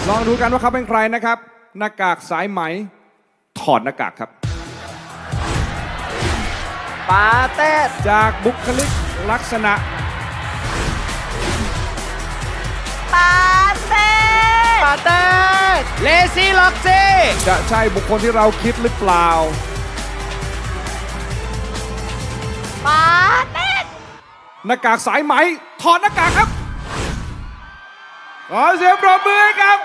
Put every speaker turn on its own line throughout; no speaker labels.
ลองดูกันว่าเขาเป็นใครนะครับหน้ากากสายไหมถอดหน้ากากครับ
ปาเต้
จากบุคลิกลักษณะ
ปาเต้
ปาเต้เลซี่ล็อกซี่
จะใช่บุคคลที่เราคิดหรือเปล่า
ปาเต้
หน้ากากสายไหมถอดหน้ากากครับขอเสียงปรบมือให้ครับ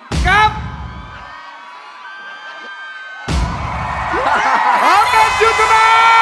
ออมเนสยุทธนา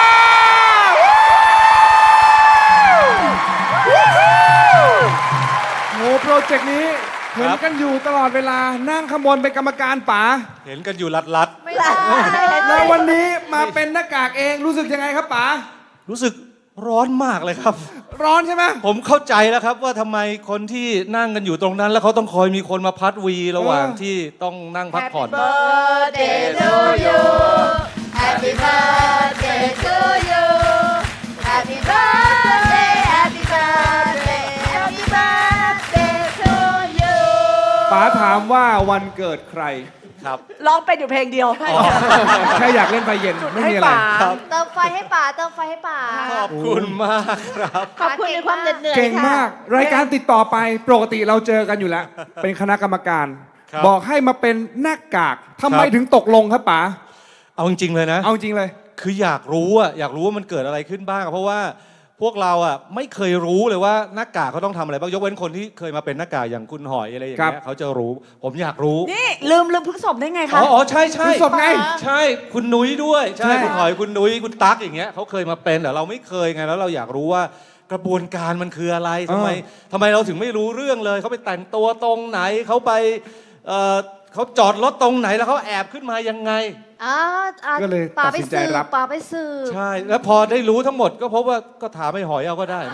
โหโปรเจกต์นี้เห็นกันอยู่ตลอดเวลานั่งขบวนเป็นกรรมการป๋า
เห็นกันอยู่ลัด
ไม่ได้
แล้ววันนี้มาเป็นหน้ากากเองรู้สึกยังไงครับป๋า
ๆรู้สึกร้อนมากเลยครับ
ร้อนใช่ไหม
ผมเข้าใจแล้วครับว่าทำไมคนที่นั่งกันอยู่ตรงนั้น แล้วเขาต้องคอยมีคนมาพัดวีระหว่างที่ต้องนั่งพักผ่อน
birthday to you Happy birthday to you Happy birthday Happy birthday Happy birthday to you
ป๋าถามว่าวันเกิดใคร
ครับ
ร้องเป็นอยู่เพลงเดียว
แค่อยากเล่นไฟเย็นไม่มีอะไร
เติมไฟให้ป๋าเติมไฟให้ป๋า
ขอบคุณมากครับ
ขอบคุณในความเหนื่อย
เก่งมาก รายการติดต่อไปปกติเราเจอกันอยู่แล้ว เป็นคณะกรรมการ
ครับ
บอกให้มาเป็นหน้ากากทำไม
ครับ
ถึงตกลงครับป๋า
เอาจริงๆเลยนะ
เอาจริงเลย
คืออยากรู้ว่ามันเกิดอะไรขึ้นบ้าง เพราะว่าพวกเราไม่เคยรู้เลยว่าหน้ากากเขาต้องทำอะไรบ้างยกเว้นคนที่เคยมาเป็นหน้ากากอย่างคุณหอยอะไรอย่างเงี้ยเขาจะรู้ ผมอยากรู้
นี่ลืมพฤกษบได้ไงคะ
อ๋อใช่ใช่
พฤษภไง
ใช่คุณนุ้ยด้วย
ใช่
ใช่คุณหอยคุณนุ้ยคุณตั๊กอย่างเงี้ยเขาเคยมาเป็นแต่เราไม่เคยไงแล้วเราอยากรู้ว่ากระบวนการมันคืออะไรทำไมเราถึงไม่รู้เรื่องเลยเขาไปแต่งตัวตรงไหนเขาไปเขาจอดรถตรงไหนแล้วเขาแอบขึ้นมายังไง
ก็เลย
ป๋า
ตัด
ไป
สินใจ
สืบ
รับ
ป๋าไปสืบ
ใช่ แล้วพอได้รู้ทั้งหมดก็พบว่าก็ถามไอ้หอยเอาก็ได้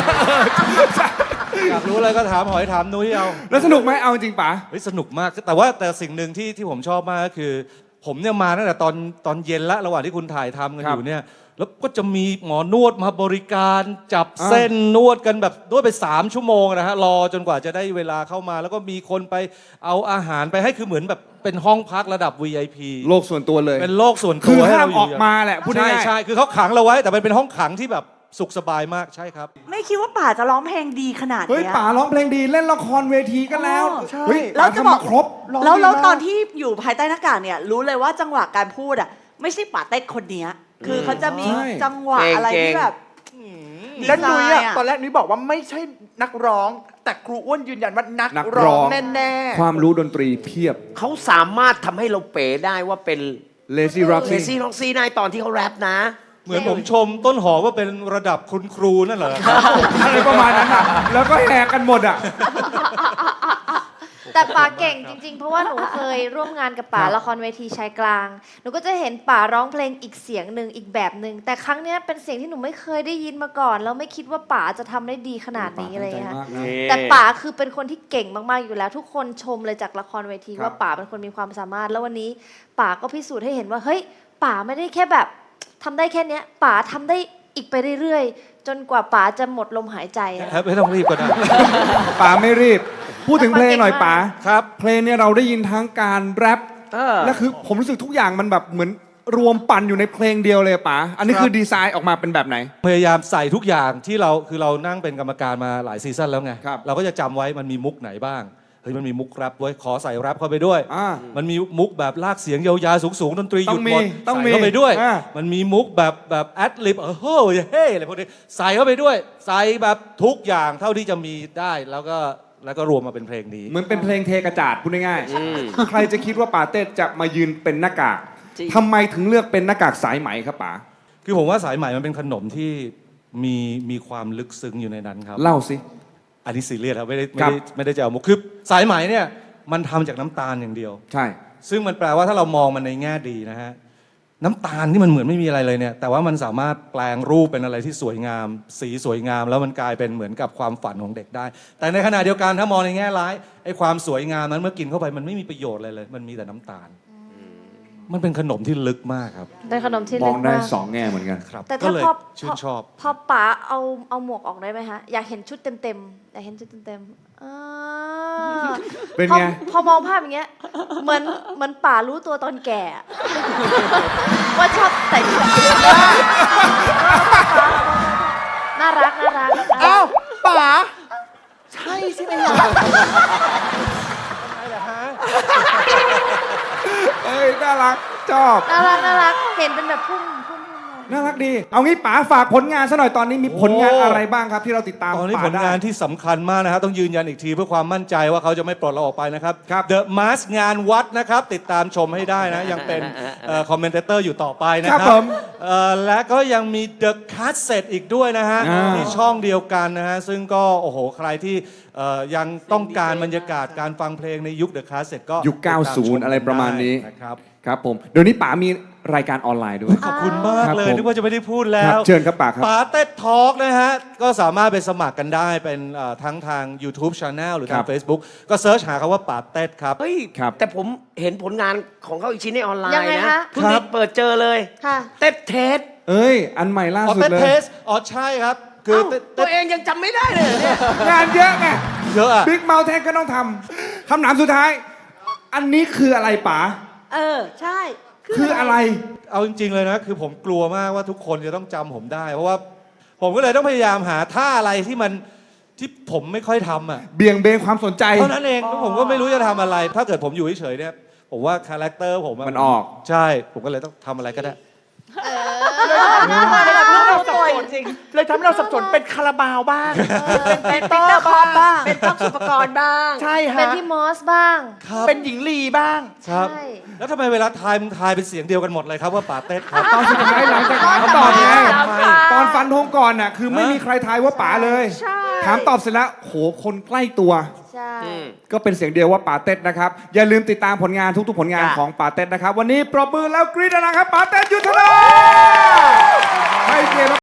อยากรู้อะไรก็ถามหอยถามนุ้ยเอา
แล้วสนุกไหมเอาจริงป๋า
เฮ้ยสนุกมากแต่สิ่งหนึ่งที่ผมชอบมากก็คือ ผมเนี่ยมาตั้งแต่ตอนเย็นละระหว่างที่คุณถ่ายทำกันอยู่เนี่ยแล้วก็จะมีหมอนวดมาบริการจับเส้นนวดกันแบบนวดไป3 ชั่วโมงนะฮะรอจนกว่าจะได้เวลาเข้ามา แล้วก็มีคนไปเอาอาหารไปให้คือเหมือนแบบเป็นห้องพักระดับ VIP
โลกส่วนตัวเลย
เป็นโลกส่วน
คื
ตั
อ
วให้
ห้าม
เราอ
อยู่ อกมาแหละพูด
ใช่
ง่ายๆ
ใช่คือเขาขังเราไว้แต่มันเป็นห้องขังที่แบบสุขสบายมากใช่ครับ
ไม่คิดว่าป่าจะร้องเพลงดีขนาด
เฮ้ย
เนี้ย
ป๋าร้องเพลงดีเล่นละครเวทีก็แล้ว
ใช่
เฮ้ย
แล้วจะบอก
ป๋าทำมาครบร้ง
แล้ว
ดีมาก
ตอนที่อยู่ภายใต้หน้ากากเนี่ยรู้เลยว่าจังหวะการพูดอ่ะไม่ใช่ป่าเต้คนเนี้ยคือเขาจะมี
ใช่
จังหวะอะไรที่แบบ
แล้วนุ้ย
ดีไซน์
ตอนแรกนุ้ยบอกว่าไม่ใช่นักร้อง แต่ครูอ้วนยืนยันว่านัก
นักร้
ร้
อ
อง งแน่
ความรู้ดนตรีเพียบ
เขาสามารถทำให้เราเป๋ได้ว่าเป็น
Lazy Rock
เลซี่ล็อกซี่ในตอนที่เขาแรปนะ
เหมือนผมชมต้นหอมว่าเป็นระดับคุณครูนั่นเหรอ
อะไรประมาณนั้นอ่ะ แล้วก็แหกกันหมดอ่ะ
แต่ป๋าเก่งจริงๆ เพราะว่าหนูเคยร่วมงานกับป๋า
ครับ
ละครเวทีชายกลาง หนูก็จะเห็นป๋าร้องเพลงอีกเสียงหนึ่งอีกแบบหนึ่งแต่ครั้งเนี้ยเป็นเสียงที่หนูไม่เคยได้ยินมาก่อนแล้วไม่คิดว่าป๋าจะทำได้ดีขนาดนี้อะไรอย่างเลยค่ะ
ตั้งใจมากนะ
แต่ป๋าคือเป็นคนที่เก่งมากๆอยู่แล้ว ทุกคนชมเลยจากละครเวที
ครับ
ว่าป๋าเป็นคนมีความสามารถ แล้ววันนี้ป๋าก็พิสูจน์ให้เห็นว่าเฮ้ยป๋าไม่ได้แค่แบบทำได้แค่เนี้ยป๋าทำได้อีกไปเรื่อยๆ จนกว่าป๋าจะหมดลมหายใจอะ
ไม่ต้องรีบก็ได้
ป๋าไม่รีบ พูดถึงเพลงหน่อยป๋า
ครับ
เพลงเนี่ยเราได้ยินทั้งการแรป
ๆ
และคือผมรู้สึกทุกอย่างมันแบบเหมือนรวมปั่นอยู่ในเพลงเดียวเลยป๋าอันนี้คือดีไซน์ออกมาเป็นแบบไหน
พยายามใส่ทุกอย่างที่เรานั่งเป็นกรรมการมาหลายซีซั่นแล้วไง
ครับ
เราก็จะจำไว้มันมีมุกไหนบ้างเฮ้ยมันมีมุกแรปไว้ยขอใส่แรปเข้าไปด้วย
อ่า
มันมีมุกแบบลากเสียงยาวๆสูงๆดนตรีหยุดหมด
ต้องมี
ใส่เข้าไปด้วย
อ่า
มันมีมุกแบบแอดลิบเฮ้ยเฮ้อะไรพวกนี้ใส่เข้าไปด้วย ใส่แบบทุกอย่างเท่าที่จะมีได้แล้วก็รวมมาเป็นเพลงนี้
เหมือนเป็นเพลงเทกระจาดพูดง่ายๆใครจะคิดว่าป๋าเต้จะมายืนเป็นหน้ากาก
จริง
ทำไมถึงเลือกเป็นหน้ากากสายไหมครับป๋า
คือผมว่าสายไหมมันเป็นขนมที่มีความลึกซึ้งอยู่ในนั้นครับ
เล่าสิ
อันนี้ซีเรียสครับไม่ได้
ครับ
จะเอามุกคือสายไหมเนี่ยมันทำจากน้ำตาลอย่างเดียว
ใช่
ซึ่งมันแปลว่าถ้าเรามองมันในแง่ดีนะฮะน้ำตาลที่มันเหมือนไม่มีอะไรเลยเนี่ยแต่ว่ามันสามารถแปลงรูปเป็นอะไรที่สวยงาม สีสวยงาม แล้วมันกลายเป็นเหมือนกับความฝันของเด็กได้ แต่ในขณะเดียวกันถ้ามองในแง่ร้ายไอ้ความสวยงามนั้นเมื่อกินเข้าไปมันไม่มีประโยชน์อะไรเลย มันมีแต่น้ำตาล มันเป็นขนมที่ลึกมากครับ
เป็นขนมที่
ม
ลึ
อง
ก
ได้
มาก
สองแง่เหมือนกัน
ครับ
แต่
ก็
ถ้า
เลย
พอ
ชื่นชอบ
พอป๋าเอาหมวกออกได้ไหมฮะอยากเห็นชุดเต็มๆอยากเห็นชุดเต็มๆ
เป็นไง
พอมองภาพอย่างเงี้ยเหมือนป๋ารู้ตัวตอนแก่อะว่าชอบแต่งชุดน่ารัก
เอ้าป๋าใช่ใช่ไหมล่ะ
เอ้ยน่ารักชอบ
น่ารักเห็นเป็นแบบพุ่มมา
น่ารักดี เอางี้ป๋าฝากผลงานซะหน่อยตอนนี้มีผลงานอะไรบ้างครับที่เราติดตาม
ตอนนี้
ป๋า
ผล
ได้
งานที่สำคัญมากนะครับต้องยืนยันอีกทีเพื่อความมั่นใจว่าเขาจะไม่ปลดเราออกไปนะครับ
ครับ
The Mask งานวัดนะครับ ติดตามชมให้ได้นะ ยังเป็นคอมเมนเตอร์อยู่ต่อไปนะค
ครั
รั
บบ ผม
และก็ยังมี The Cassette อีกด้วยนะฮะ
อ่า
ที่ช่องเดียวกันนะฮะ ซึ่งก็โอ้โหใครที่ยังต้องการบรรยากาศการฟังเพลงในยุค The Cassette ก็
ยุค
ติดตามชม
90 อะไรประมาณนี้
ได้นะครับ
ครับผมเดี๋ยวนี้ป๋ามีรายการออนไลน์ด้วย
ขอบคุณมาก
ครับ
เลย
ผม
นึกว่าจะไม่ได้พูดแล้
ครั
ว
บเชิญครับป๋าครับ
ป๋าเต็ดทอล์กนะฮะ ก็สามารถไปสมัครกันได้เป็นทั้งทาง YouTube Channel หรือทา
ครั
ง
บ
Facebook ก็เซิร์ชหาคำว่าป๋าเต็ดครับ
เฮ้ย
ครับ
แต่ผมเห็นผลงานของเขาอีกชิ้นในออนไล
ยัง
น์
ไง
นะคะ เพิ่ง
ครั
ได้
บ
เปิดเจอเลย
ค่ะ
เต็ดเทส
เอ้ย อันใหม่ล่า
อ๋อ
สุด
เต็ด
เลย
เทสอ๋อใช่ครับ คือ
เอ้า
เต็ด
ตัวเองยังจำไม่ได้เลยเหรอเนี่ย
งานเยอะไง
เยอะอะ
บิ๊กเมลเทนก็ต้องทำคำถามสุดท้าย อันนี้คืออะไรป๋า
ใช่
คืออะไร
เอาจริงๆเลยนะ คือผมกลัวมากว่าทุกคนจะต้องจำผมได้ เพราะว่าผมก็เลยต้องพยายามหาท่าอะไรที่ผมไม่ค่อยทำอ่ะ
เบี่ยงเบนความสนใจ
เท่านั้นเองแล้วผมก็ไม่รู้จะทำอะไร ถ้าเกิดผมอยู่เฉยๆเนี่ยผมว่าคาแรคเตอร์ผมะ
มันออก
ใช่ ผมก็เลยต้องทำอะไรก็ได้
เลยทำให้เราสับสนจริงเลยทำให้เราสับสนเป็นคาราบาวบ้าง เป็นปีเตอร์บ้าง
เป็นต้องสุปกรณ์บ้าง
ใช่
เป็น
ฮะ
พี่มอสบ้าง
ครับ
เป็นหญิงลีบ้าง
ครับ
ใช่
แล้วทำไมเวลาทายมึงทายเป็นเสียงเดียวกันหมดเลยครับว่าป๋าเต้ดครับ
ตอนสุดท้ายหลังจากถามตอบไง
ทำไม
ตอนฟันธงก่อนน่ะคือไม่มีใครทายว่าป๋าเลย
ใช่
ถามตอบเสร็จแล้วโหคนใกล้ตัว
ใช่
ก็เป็นเสียงเดียวว่าป๋าเต็ดนะครับ อย่าลืมติดตามผลงานทุกๆผลงาน
จ้ะ
ของป๋าเต็ดนะครับ วันนี้ปรบมือแล้วกรี๊ดนะครับป๋าเต็ดยุทธนาให้เกียรติ